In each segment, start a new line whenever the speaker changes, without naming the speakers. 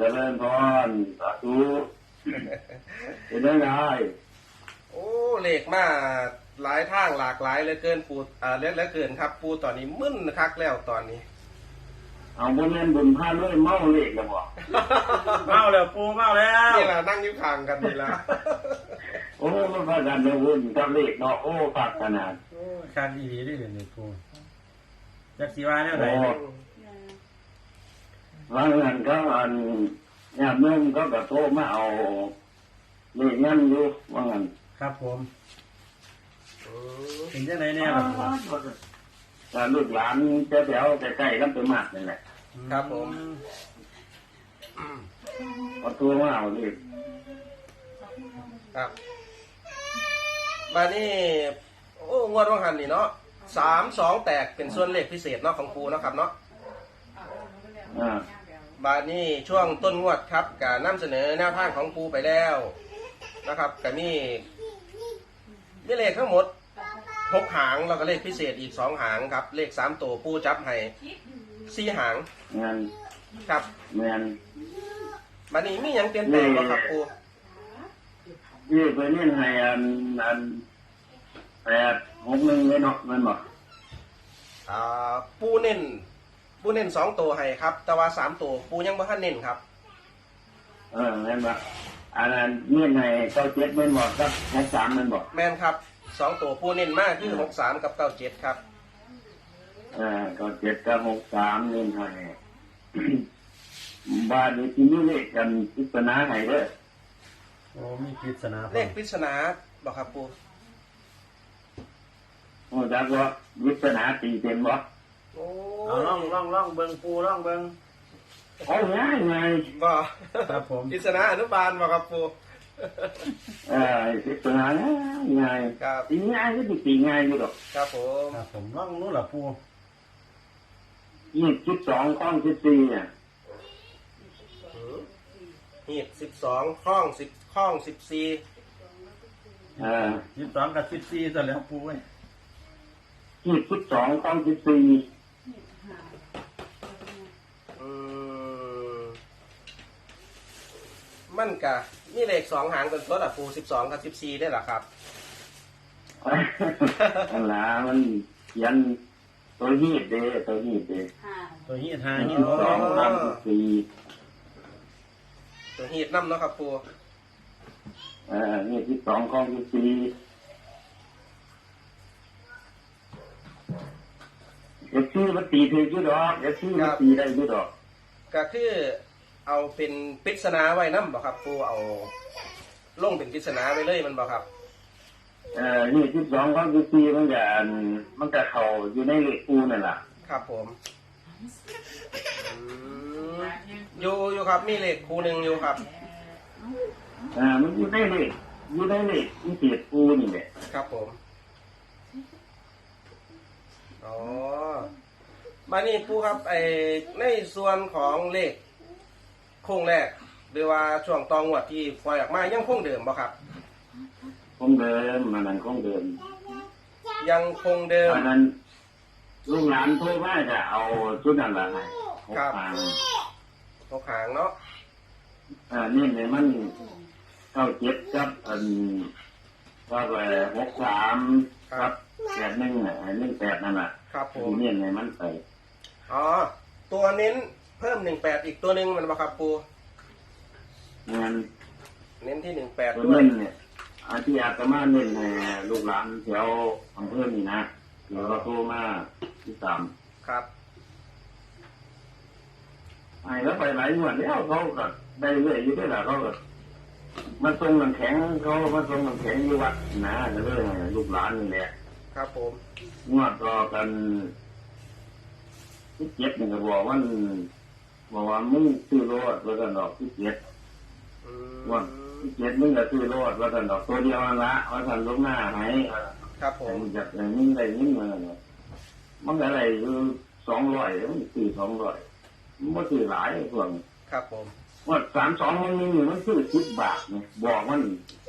ริญพรสาธุเป็นยังไง
โอ้เลขมาหลายทางหลากหลายเลยเกินปูเล็กเหลือเกินครับปูตอนนี้มึนคักแล้วตอนนี้
เอาบุญเล่นบุญพาด้วยเมาเลขแล้วบ่
เมาแล้วปูเมาแล้ว
นี่แหละนั่งยิ้มข้างกันนี่ละ
โอ้มันพากันเลยวุ่นกับเลขเนาะโอ้ฝากขนาด
การอีดีได้เลยปูจักสีวาเนี่ยไหน
ว่าเงินก็อันญาติโยมก็กระโทรมาเอาเลขงั้นอยู่ว่างั้น
ครับผมเห็นยังไงเนี่ยครับ
แต่ลูกหลานแถวใกล้ๆกันไปมากนี่แหละ
ครับผม
พอตัวมาเอาเลข
ครับมานี่โอ้งวดว่างหันนี่เนาะ3-2แตกเป็นส่วนเลขพิเศษเนาะของปูเนาะครับเนาะบาดนี้ช่วงต้นงวดครับการนำเสนอแนวทางของปูไปแล้วนะครับก็มีเลขทั้งหมด6หางแล้วก็เลขพิเศษอีก2หางครับเลข3ตัวปูจับให้4หาง
งาน
ครับ
แม่น
บาดนี้มีหยังเปลี่ยนแปลงบ่ครับปู
นี่ไปเน้นให้อัน861เลยเนาะแม่นบ่
ปูเน้น2ตัวให้ครับแต่ว่า3ตัวปูยังบ่ทันเน้นครับ
แม่นบ่อันนั้นเน้นให้97แม่นบ่ครับ63แม่นบ่
แม่นครับ2ตัวปูเน้นมากคือ63กับ97ครับ
97กับ63เน้นให้บ้านนี้ที่มีเลขกันปริศนาให้เด้อ
โอ้มีปริศนา
เลขปริศนาบ่ครับปู
โอ้จักว่าปริศนาตีเป็นบ่
เอาล่องเบิ่งปูล่องเบิ่ง
โอ้ง่าย
บ่
ครับผม
ปริศนาอนุบาลบ่ครับปู
ปริศนาง่าย
ครับ
ตีง่ายก็ตีง่ายอยู่ดอก
ครับ
ผมล่องนู้นล่ะปู
22ข้อง14เนี่ย
หีบ12ข้อง10ข้อง14
22กับ14ซะแล้วปูเอ้ย
22ข้อง14
มันกะมีเลข2หางเป็นตัวละปู12กับ14ได้หรอครับ
อันละมันเขียนตัวหีบเด้ตัวหีบ
5หีบ
2ข้อง14
ตัวหีบน้ำเนาะครับปู
นี่12ข้อง14มันตีถืออยู่ดอกมันตีได้อยู่ดอก
ก็คือเอาเป็นปริศนาไว้นำบ่ครับปูเอาลงเป็นปริศนาไว้เลยมันบ่ครับ
นี่12ข้อง14มันจะเข้าอยู่ในเลขปูนั่นล่ะ
ครับผมอยู่ครับมีเลขคู่นึงอยู่ครับ
มันอยู่ในเลขมีเศษปูนี่แหละ
ครับผมมานี่ปูครับในส่วนของเลขโค้งแรกหรือว่าช่วงตองวดที่ปล่อยออกมายังคงเดิมบ่ครับ
คงเดิมมันคงเดิม
ยังคงเดิม
อันนั้นลูกหลานโทรมาจะเอาชุดนั้นละให้
ครับ6หางเนาะ
นี่เนี่ยมัน97ครับก็ไป63ครับ8118นั่นแหละ
ครับผม
นี่เนี่ยมันไป
ตัวเน้นเพิ่ม18อีกตัวนึงมันบ่ครับปูเน้นที่18ด้วย
เนี่ยที่อาตมาเน้นให้ลูกหลานแถวอำเภอนี่นะเดี๋ยวเราโทรมาที่3
ครับ
แล้วไปหลายงวดแล้วเขาก็ได้เรื่อยอยู่ด้วยล่ะเขาก็มาส่งน้ำแข็งอยู่วัดนะแล้วก็ลูกหลานนี่แหละ
ครับผม
งวดต่อกัน17นี่ก็บอกว่ามึงซื้อรถแล้วก็ดอก17ว่า17มึงก็ซื้อรถแล้วก็ดอกตัวเดียวนั่นละว่าสั่นลงหน้าให้
ครับผม
จากอย่างนี้ได้ยิ่งมาเนี่ยมันอะไรคือ200มันซื้อ200มันบ่ซื้อหลายส่วน
ครับผม
ว่า32มันมีมันซื้อ10 บาทเนี่ยบอกมัน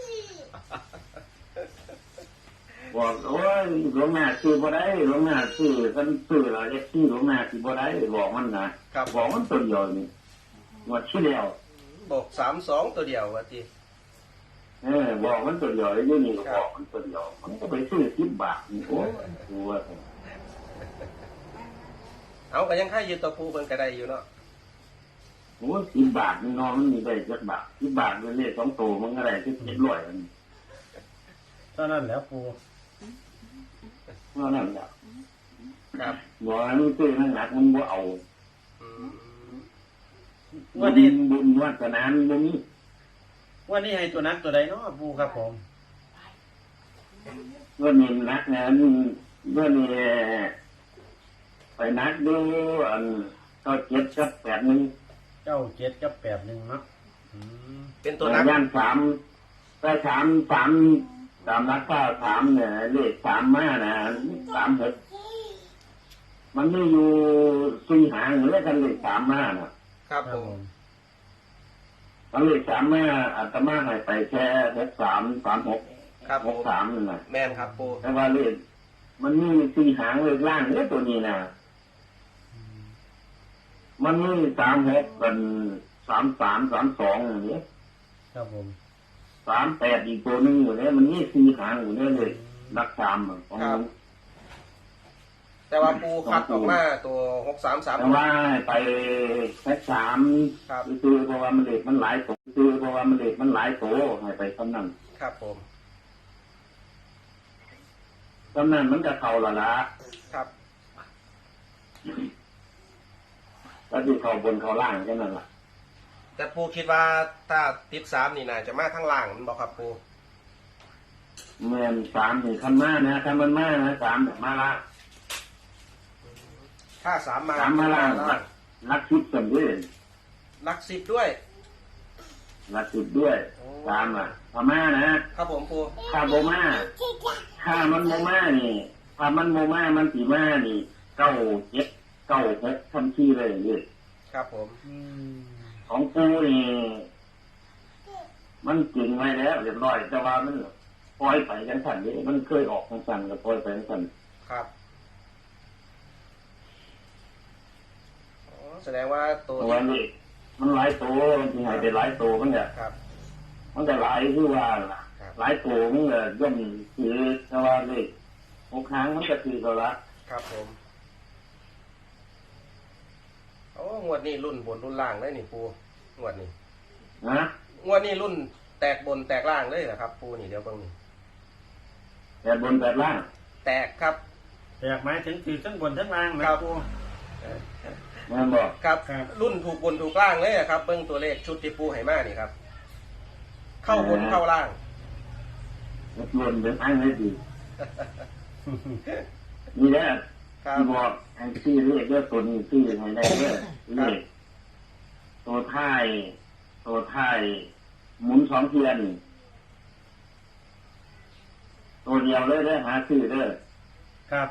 บอกโอ้ยหลวงแม่ซื้อบ่ได้หลวงแม่ซื้อกันซื้อแล้วจะซื้อหลวงแม่สิบ่ได้บอกมันนะบอกมันตัวเดียวนี่งวดที่แล้ว
บอก32ตัวเดียวว่าติ
บอกมันตัวเดียวไอ้เรื่องนี้ก็บอกมันตัวเดียวมันก็ไปซื้อ10 บาทนี่โอ้ยดูว่า
เอาก็ยังค่ายืนตัวปูเพิ่นก็ได้อยู่เนาะ
โอ้ย10 บาทนี่น้องมันมีได้จักบาท10 บาทเป็นเลข2 ตัวมันก็ได้ที่700อัน
เท่านั้นแหล้วปู
เท่านั้นแหละ
ครับ
บอกให้มันซื้อนั่นหนักมันบ่เอา
อืม
วันนี้
บุญวาสนามันบ่มี
วันนี้ให้ตัวนักตัวใดเนาะปูครับผม
เมื่อนี้นักนะเมื่อนี้ไปนักดูอันก็7กับ8นึง
เจ้า7กับ8 1เนาะอืม
เป็นตัวนัก
ย่าน3ได้3ตามนักก็3เนี่ยเลข3มานะ36มันไม่อยู่4 หางเลยกันเลข3มาน่ะ
ครับ
ครั
ผ
บ
ม
ผม
มันเลข3มาอาตมาให้ไปแค่6336
ครับผม
63นั่นน่ะ
แม่นครับปู
แต่ว่าเลขมันมี4 หางเลขล่างเนี่ยตัวนี้นะมันมี36กัน33 32อย่างนี้
ครับผม
38อีกตัวนึงอยู่เนี่ยมันมี4 หางอยู่เนี่ยเลยรัก3ของมัน
แต่ว่าปูคัดออกมาตัว
แต่ว่าไปแค่3
ครับ
คือเพราะว่ามันเลขมันหลายตัวคือเพราะว่ามันเลขมันหลายตัวให้ไปเท่านั้น
ครับผม
เท่านั้นมันจะเข้าละละ
ครับ
ก็คือเข้าบนเข้าล่างแค่นั้นล่ะ
แต่ปูคิดว่าถ้าติด3นี่น่าจะมาทางล่างมันบ่ครับปู
เมื่อ3นี่คันมานะคันมันมานะ3แบบมาละ
ถ้า3มา
3มาล่างรักชุดกันด้วย
หลัก10ด้วย
รักชุดด้วย3อ่ะพม่านะครับ
ผมปู
ถ้าโบมาถ้ามันโบมานี่ถ้ามันโบมามันสีมานี่9 7 9 6ทันทีเลยนี่
ครับผม
อืม
ของกูนี่มันจริงไว้แล้วเรียบร้อยแต่ว่ามันปล่อยไปจังสันนี่มันเคยออกจังสันก็ปล่อยไปจังสัน
ครับอ๋อแสดงว่าตัว
ตัวนี้มันหลายตัวมันที่หายไปหลายตัวมันเนี่ย
ครับ
มันจะหลายคือว่าล่ะ
ครับ
หลายตัวมันก็ย่อมคือแต่ว่าเลข6 ครั้งมันก็คือตัวละ
ครับผมโอ้งวดนี้รุ่นบนรุ่นล่างเลยนี่ปูงวดนี้
นะ
งวดนี้รุ่นแตกบนแตกล่างเลยนะครับ ปูนี่เดี๋ยวเบิ่งนี่
แต่บนแต่ล่าง
แตกครับ
แต่อยากหมายถึงคือทั้งบนทั้งล่างนะครับ ปู
มันบอก
ครับ
ครับ
รุ่นถูกบนถูกล่างเลยอะครับเบิ่งตัวเลขชุดที่ปูให้มานี่ครับ เข้าบนเข้าล่าง
มันบนเป็นอันไม่ดีนี่แหละ
ครับ
ที่บอกไอ้ที่เรียกเรื่องตัวนี้ที่ยังไงได้เนี่ยเลขตัวท้ายหมุน2 เทียนตัวเดียวเลยได้หาซื้อเด้อ
ครับ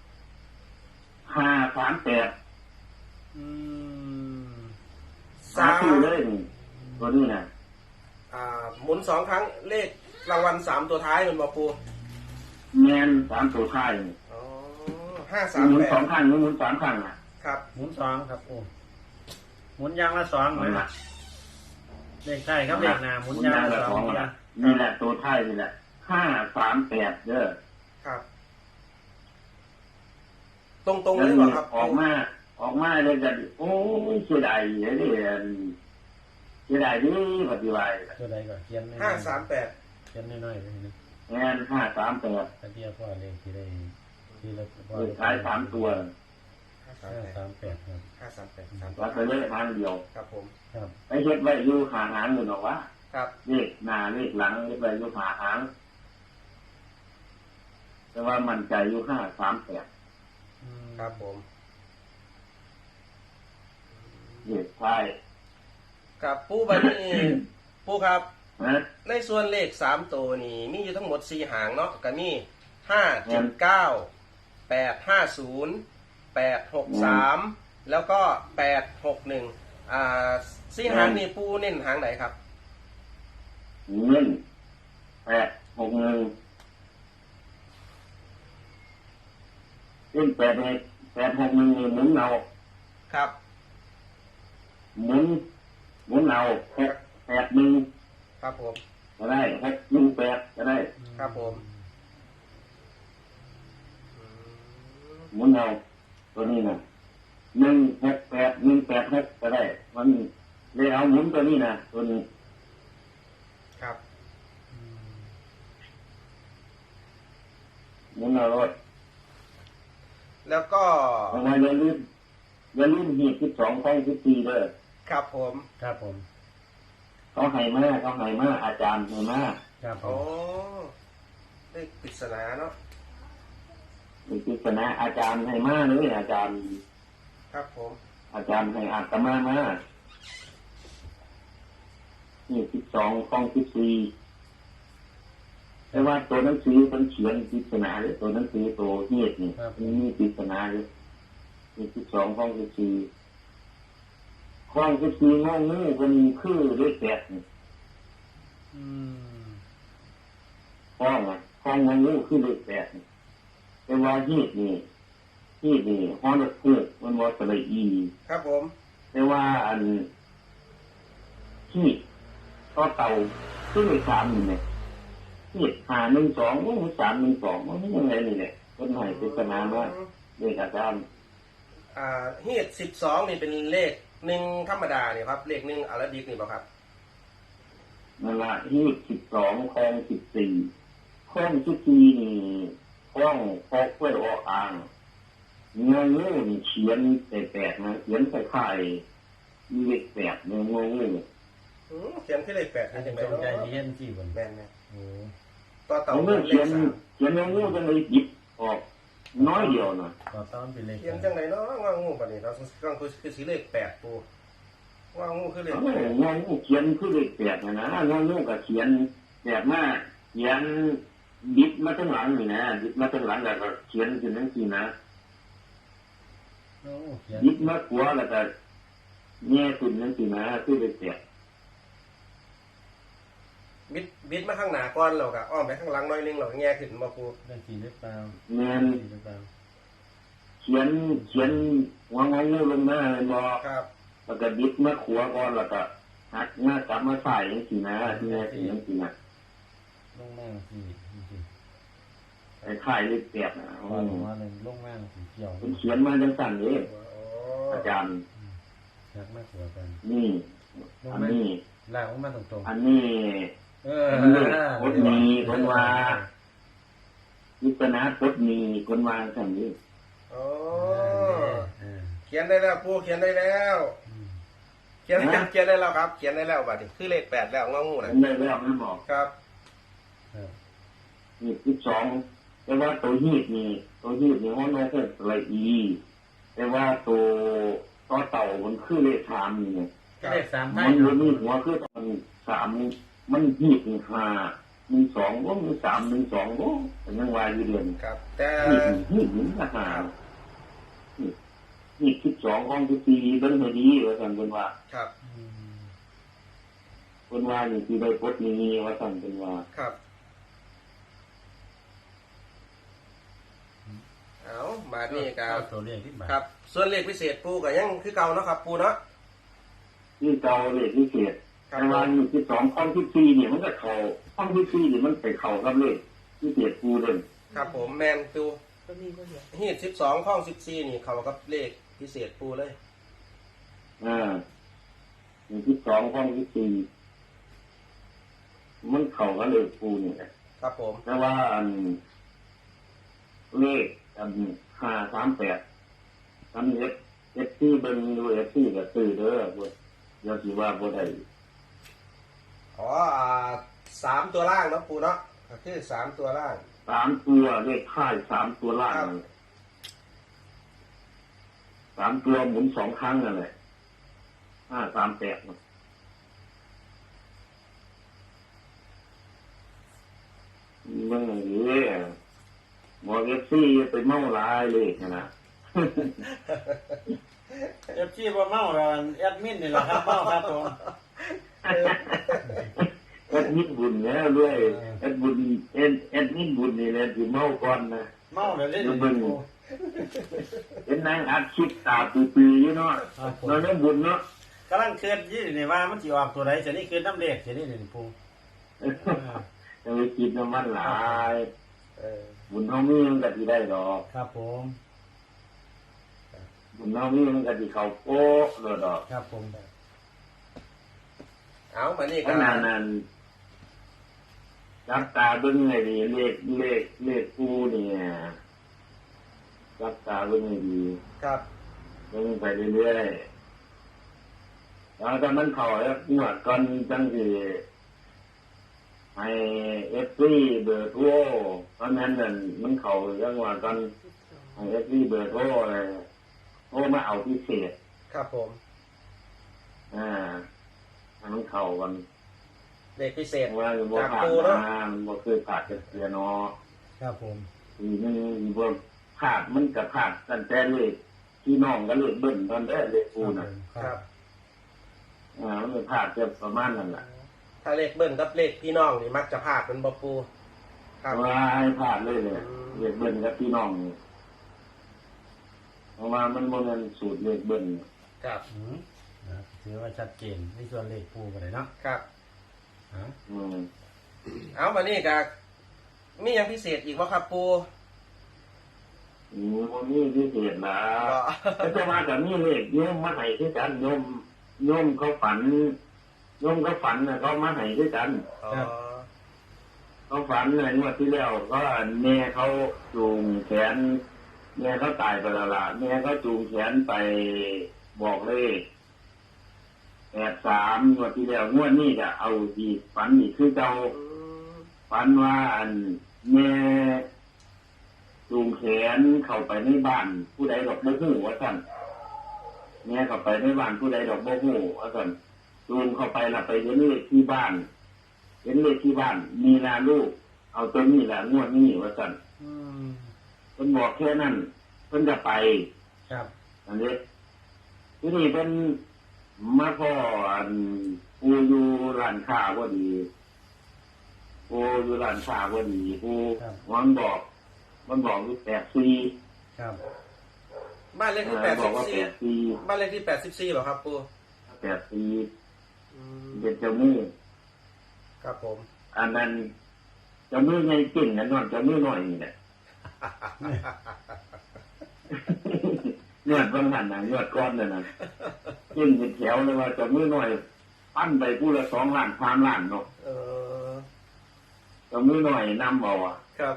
538
อืม
หาซื้อเลยนี่ตัวนี้นะ
หมุน2 ครั้งเลขรางวัล3ตัวท้ายมันบอกปู
แมน3 ตัวท้ายนี่
อ๋อ
หมุน2
538
ครั้งหรือหมุน3 ครั้งอ่ะ
ครับ
หมุน2ครับปูหมุนยางละ2
นั่น
นะ
ล่ะ
เลขใช่ครับเลขหน้าหมุนยางละ
ของ
2
ล่ะ
นะ
นี่แหละตัวท้ายนี่แหละ538เด้อ
ครับ ตรงๆเลยบอกครับ
ออกมาเลยกันโอ้ยเสียดายเลยเสียดายนี่ปฏิวัติ
ตัวใดก็เขียน
538
เขียนน้อยๆเลยนะ
งาน538
ตะเกียบพ่อเลขที่ได้ที่ละพ่อ
เลขท้าย3 ตัว
538ครับ
538
ว่าจะเลขทางเดียว
ครับผม
ครับ
ไปเฮ็ดไว้อยู่หาหางอยู่หรอกว่า
ครับ
เลขหน้าเลขหลังเฮ็ดไว้อยู่หาหางแต่ว่ามันใจอยู่538
อืม
ครับผม
เลขท้าย
กับปูบันนี้ ปูครับ
นะ
ในส่วนเลข3ตัวนี่มีอยู่ทั้งหมด4 หางเนาะก็มี579 850 863แล้วก็8614 หางนี่ปูเน้นหางไหนครับ
เงิน861เล่น861นี่หมุนเอา
ครับ
หมุนเอา6 81
ครับผม
ก็ได้618ก็ได้
ครับผมอืม
หมุนเอาตัวนี้นะ168 186ก็ได้มันเลยเอาหมุนตัวนี้นะตัวนี้
ครับ
หมุนเอารถ
แล้วก็
ทำไมอย่าลืมหีบ12 ของ14เด้อ
ครับผม
ครับผม
เขาให้มาอาจารย์ให้มา
ครับผ
โอ้
ม
เลขปริศนาเนาะ
มีปริศนาอาจารย์ให้มาเลยอาจารย์
ครับผม
อาจารย์ให้อาตมามานี่12 ของ14แต่ว่าตัวหนังสือมันเขียนปริศนาเลยตัวหนังสือตัวเฮ็ดนี่มันมีปริศนาเลยนี่12 ของ14ของ14งองูมันคือเลข8นี่
อืม
ของงองูคือเลข8นี่แต่ว่าเฮ็ดนี่ฮอดคือมันบ่สระอี
ครับผม
แต่ว่าอันที่ก็เตาขึ้นไป3นี่เนี่ยที่512มัน312มันยังไงนี่แหละคนให้ปริศนามาเลขอาจารย์
ฮีด12นี่เป็นเลข1ธรรมดาเนี่ยครับเลข1อาราบิกนี่บ่ครับ
นั่นละที่12 ของ14ของ14นี่ของพอกไว้ออกอ่างงองูนี่เขียนแปลกๆนะเขียนคล้ายๆมีเลข8ในงองู
เขียนที่เลข8
อา
นี่
จจะ
จังได๋
จงใจ
เนาะ
เรียนที่บน
แม่น
โอ้
ๆต่อเต่า
เอา
เป็
เงื่อน
เล
เขีย
ข
นงองูจังเลยหยิบออกน้อยเดียวนะ
ต่อต้อนเป็นเลข
3เขียนจังได๋เนาะงองูบัดนี้เราต้องคือสิเลข8ปูงองูคือเลข
งองูเขียนคือเลข8นะงองูก็เขียนแบบมาเขียนบิดมาทั้งหลังนี่นะบิดมาทั้งหลังแล้วก็เขียนขึ้นจังซี่นะ
โอ้เขียน
บิดมาขวาแล้วก็แง่ขึ้นจังซี่นะคือเลข8
บิดมาข้างหน้าก่อนแล้วก็อ้อมไปข้างหลังหน่อยนึงแล้วก็แง่ขึ้นบ่ปู
เรื่องจริงหรือเปล่า
แม่น
จริงหรือเปล่า
เขียนหัวงองูลงมาเลยบ่
ครับ
แล้วก็บิดมาขวาก่อนแล้วก็หักหน้ากลับมาใส่จังซี่นะที่แง่ขึ้นจังซี่นะ
ลงล่างสีจริง
ไอ้ค่ายเลข8นะ
ๆว่าลงมาเลยลงล่างสีเขียว
มันเขียนมาจังซั่นเด้
โอ้
อาจารย์
ชักมากกว่ากัน
นี่
ลง
อัน
มา
นี้
ล่างออกมาตรง
อันนี้
ๆเออ
คนมีคนว่าวิจารณากดมีคนวางสั่นนี้
โอ้
เออ
เขียนได้แล้วปูเขียนได้แล้ว
อืม
เขียนได้แล้วครับ เขียนได้แล้วบัดนี้คือเลข8แล้วงองู
อั
น่ะ
นนี้แล้วไม่บอก
ครับ
ครับ
นี่12แต่ว่าตัวฮีดนี่ห้องน้อยเพิ่นละอีแต่ว่าตัวต่อเต่ามันคือเลข3นี่เนี่ย
เลข3ไท
มั
ย
นบ่มีหัวคือมัน3มันฮีดนี่5 12บ่มี3 12บ่แต่ยังว่าอยู่เดือน
ครับ แต่
ฮีดนี่ราคานี่12ของที่4เบิ่งให้ดีว่าซั่นเพิ่นว่า
ครับ
อืม
เพิ่นว่านี่สิได้กดนี้ว่าซั่นเพิ่นว่า
ครับเอามานี่ครั
เอา
บ
ตัวเลขที่บาท
ครับ ส่วนเลขพิเศษปูก็ยังคือเก่าเนาะครับ ปูเนาะ
ที่เก่าเลขพิเศษ
ครับ
แต่ว่านี่12ของที่4นี่มันก็เข้าของที่4นี่มันไปเข้ากับเลขพิเศษปูเด้อ
ครับผมแมนปูฮีด12ข้อง14นี่เขากับเลขพิเศษปูเลย
นี่12ของที่4มันเข้ากับเลขปูนี่แหละ
ครับผม
แต่ว่าอันเลขอัน538อันที่เบิ่งอยู่ที่ก็ซื้อเด้อบ่เดี๋ยวสิว่าบ่ได้
อ๋อ3ตัวล่างเนาะปูเนาะก็คือ3ตัวล่าง
3ตัวเลขท้าย3ตัวล่างนั่นแหละ3ตัวหมุน2ครั้งนั่นแหละ538นะเมื่อนี้หมอเอฟซีไปเมาหลายเลยนะ
เอฟซีบ่เมาแล้วแอดมินนี่แหละครับเมาครับผม
แอดมินบุญเนี่ยด้วยแอดมินบุญนี่แหละที่เมาก่อนนะ
เมาแล้วเล่น
เดี๋ยวเบิ่งเป็นนางอัดคลิปตาปีๆอยู่เนาะเราเล่นบุญเนาะ
กำลังเคลื่อนยี่นี่ว่ามันสิออกตัวไหนจะนี่คือน้ำเลขจะนี่นี่ปู
จะไปกินน้ำมันหลาย
เออ
บุญเท่านี้มันก็ที่ได้ดอก
ครับผม
บุญเท่านี้มันก็ที่เขาโป๊ะเลยดอก
ครับผม
เอามานี่
ข
กัน
นาดนั้นจับตาเบิ้งไงดีเลขกูเนี่ยจับตาเบิ้งไงดี
ครับ
เบิ้งไปเรื่อยๆแล้วถ้ามันเข่าแล้วงวดก่อนจังสิให้เอฟซีเบอร์โทรเพราะนั้นนั่นมันเข่าจังหวะก่อนให้เอฟซีเบอร์โทรเลยโทรมาเอาพิเศษ
ครับผม
ให้มันเข่ากัน
เด็กพิเศษ
ว่ามันบ่
จาก
ผ่าน
ปูเนาะ
มามันบ่เคยผ่านกันเสียเนาะ
ครับผม
ทีนึงบ่ผ่านมันก็ผ่านตั้งแต่เลขพี่น้องก็เลขเบิ้ลตอนแรกเลขกูน่ะ
ครับ
มันผ่านจะประมาณนั้นแหละ
ถ้าเลขเบิ้ลกับเลขพี่น้องนี่มักจะพลาดเป็นบ่ปูครับ
ว่าให้ผ่านเลยเลยเลขเบิ้ลกับพี่น้องนี่เพราะว่ามันบ่แม่นสูตรเลขเบิ้ล
ครับ
ถือว่าชัดเจนในส่วนเลขปูกันเลยเนาะ
ครับ
ฮะ
อืม
เอามานี่กับมีหยังพิเศษอีกว่าครับปู
มันมีพิเศษนะ
ก็
แต่ว่าก็มีเลขโยมมาให้คือกันโยมเขาฝันน่ะเขามาให้คือกัน
อ๋อ
เขาฝันในงวดที่แล้วก็แม่เขาจูงแขนแม่เขาตายไปแล้วล่ะแม่เขาจูงแขนไปบอกเลย83งวดที่แล้วงวดนี้จะเอาอีกฝันอีกคือเจ้า
อืม
ฝันว่าอันแม่จูงแขนเข้าไปในบ้าน ผู้ใดดอกบ่ฮู้ว่าซั่นแม่เข้าไปในบ้านผู้ใดดอกบ่ฮู้ว่าซั่นจูงเข้าไปล่ะไปเห็นเลขที่บ้าน เห็นเลขที่บ้านมีนาลูก เอาตัวนี้แหละงวดนี้ว่าสั่น
อืม
เพิ่นบอกแค่นั้นเพิ่นจะไป
ครับ
อันนี้ที่นี่เป็นมาพ่ออันปูอยู่ร้านค้าพอดีปูอยู่ร้านค้าพอดีปูมันบอกอยู่84
ครับ
บ้านเลขที่
บอกว่า
84บ้านเลขที่84เหรอครับปู
84
อืม
เป็นเจ้ามือ
ครับผม
อันนั้นเจ้ามือไงกินกันนอนเจ้ามือหน่อยนี่แหละ เนื้อตรงนั้นนะเนื้อก้อนเลยนะกินเป็นแถวเลยว่าเจ้ามือหน่อยปั้นไปผู้ละ2 ล้าน3 ล้านเนาะ
เออ
เจ้ามือหน่อยนำเอาอ่ะ
ครับ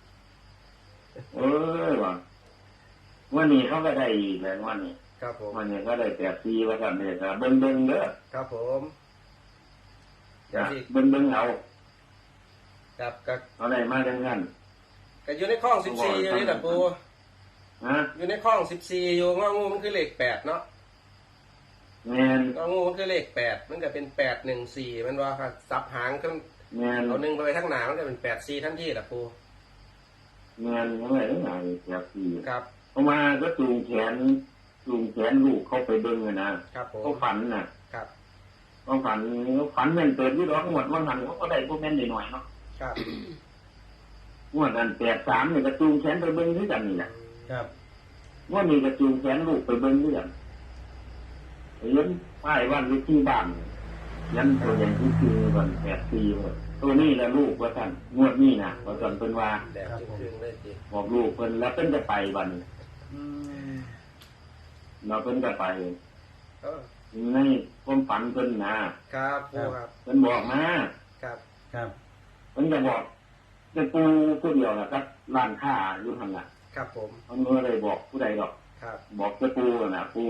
ว่ะวันนี้เขาก็ได้อีกแล้ววันนี้
ครับผม
วันนี้ก็ได้84ว่ากันเลยครับเบิ่งเด้อ
ครับผม
จ้ะเบิ่งเอา
ครับก็
เอาได้มาจังนั้น
ก็อยู่ในคลอง14อยู่นี่แหละปู
ฮะ
อยู่ในคลอง14อยู่งองูมันคือเลข8เนาะ
แม่น
งองูมันคือเลข8มันก็เป็น814มันว่าครับสับหางขึ้น
แม่น
เอา1ไปข้างหน้ามันก็เป็น84ทันทีล่ะปู
แม่นยังไงได้ไง84
ครับ
เอามาก็จูงแขนลูกเข้าไปเบิ่งอะนะครับ
ผม
เขาฝันน่ะ
ครับ
เขาฝันแม่นเปิดที่ดอกงวดวันหันเขาก็ได้พวกแม่นหน่อยๆเนาะ
ครับ
งวดนั้น83นี่ก็จูงแขนไปเบิ่งด้วยกันนี่แหละ
ครับ
งวดนี้ก็จูงแขนลูกไปเบิ่งด้วยกันเห็นป้ายวันที่บ้านยันตัวใหญ่ที่คือวัน84เลยตัวนี้แหละลูกว่าซั่นงวดนี้น่ะว่าซั่นเพิ่นว่า
แดดจึงๆเลยจิ
บอกลูกเพิ่นแล้วเพิ่นจะไปบัดนี้
อืม
เราเพิ่นจะไป
เออ
ในความฝันเพิ่นนะครับ
ปูครับ
เพิ่นบอกมา
ครับ
ครับ
เพิ่นจะบอกเป็นปูผู้เดียวล่ะครับร้านค้าอยู่หั่นล่ะ
ครับผม
เพิ่นบ่ได้บอกผู้ใดดอก
ครับ
บอกแต่ปูน่ะปู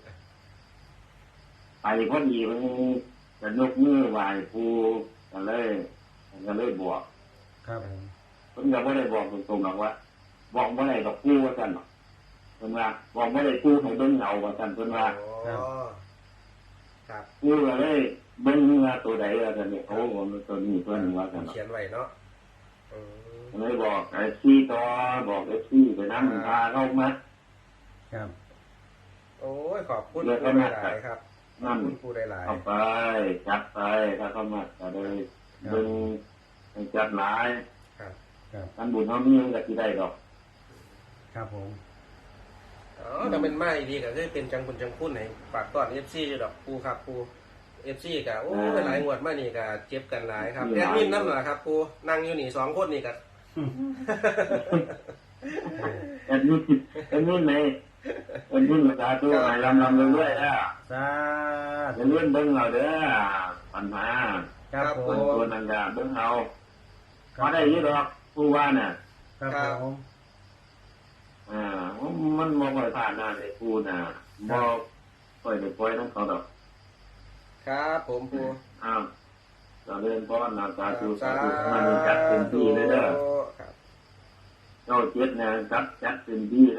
ไปพอดีเพิ่นจะยกมือไหว้ปูก็เลยบอก
ครับผม
เพิ่นก็บ่ได้บอกตรงๆหรอกว่า บอกบ่ได้ดอกปูว่าซั่นหรอกเพิ่นว่าบอกบ่ได้ปูให้เบิ่งเงาว่าซั่นเพิ่นว่า
อ๋อครับ
ปูก็เลยเบิ่งว่าตัวใดว่าซั่นนี่โอ้โหตัวนี้เพิ่นว่าซั่นเนาะ
เขียนไว้เนาะอืม
เลยบอกไอ้ซี่ต่อบอกไอ้ซี่ไปนั่งพาเข้ามา
ครับ
โอ้ยขอบคุณ
เดี๋ยว
ปู
ก็
ห
มา
ลายๆครับขอ
นั่
บ
น
คุณปูหลาย
เข้าไปจับไปถ้าเข้ามาก็เลยดึงให้จับหลาย
ๆครับ
ครับ
ท่านบุญเขามีมันก็สิได้ดอก
ครับผม
ออ๋อแต่เป็นไม้ดีก็คือเป็นจังบุญจังคุณให้ฝากต้อน FC อยู่ดอกปูครับปู FC ก็โอ้ยหลายงวดมานี่ก็เจ็บกันหลายครับแอดมินนำล่ะครับปูนั่งอยู่นี่2คนนี่ก็
อันนี้ไหนอันนี้มาตาตัวไหนลำเรื่อยๆนะ
สาธุ
จะเลื่อนเบิ้งเอาเด้อปัญหา
ครับผ
คน
ม
ตัวนังกาเบิ้งเอาพอได้ยี่ดอกผู้ว่าน่ะ
ครับผม
มันมองไปผ่านหน้าเลยกูน่ะมองปล่อยเด็กปล่อยต้องเขาดอก
ครับผมปู
เราเล่นป้อนนาตาตูสาธุมันจัดเต็มที่เลยเด้อ
ครับ
เจ้าเจ็ดเนี่ยจัดเต็มที่